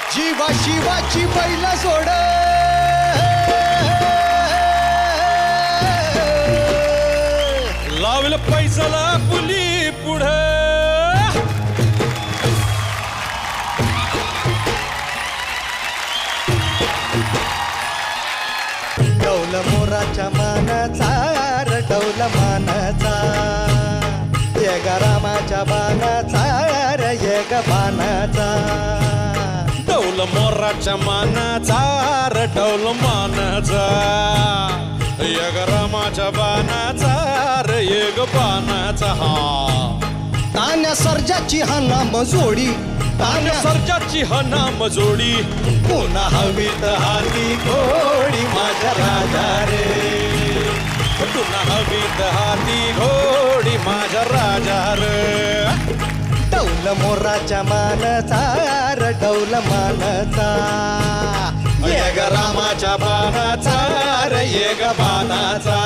जीवा शिवाची बैल सोड लावलं पैसाला पुली पुढे डौल मोराच्या मानाचा डौल मानाचा ये ग रामाच्या बाणाचा ये ग बाणाचा डौल मोराच्या मानाचा डौल मानाचा यग रामाच्या बाणाचा यग बाणाचा हा तान्या सर्जाची हा नाम जोडी तान्या सर्जाची हा नाम जोडी पुन्हा हवीत हाती घोडी माझ्या राजा रे पुन्हा हवीत हाती घोडी माझ्या राजा रे डौल मोराच्या मानाचा डौल मानाचा ये ग रामाच्या बाणाचा रे ये ग बाणाचा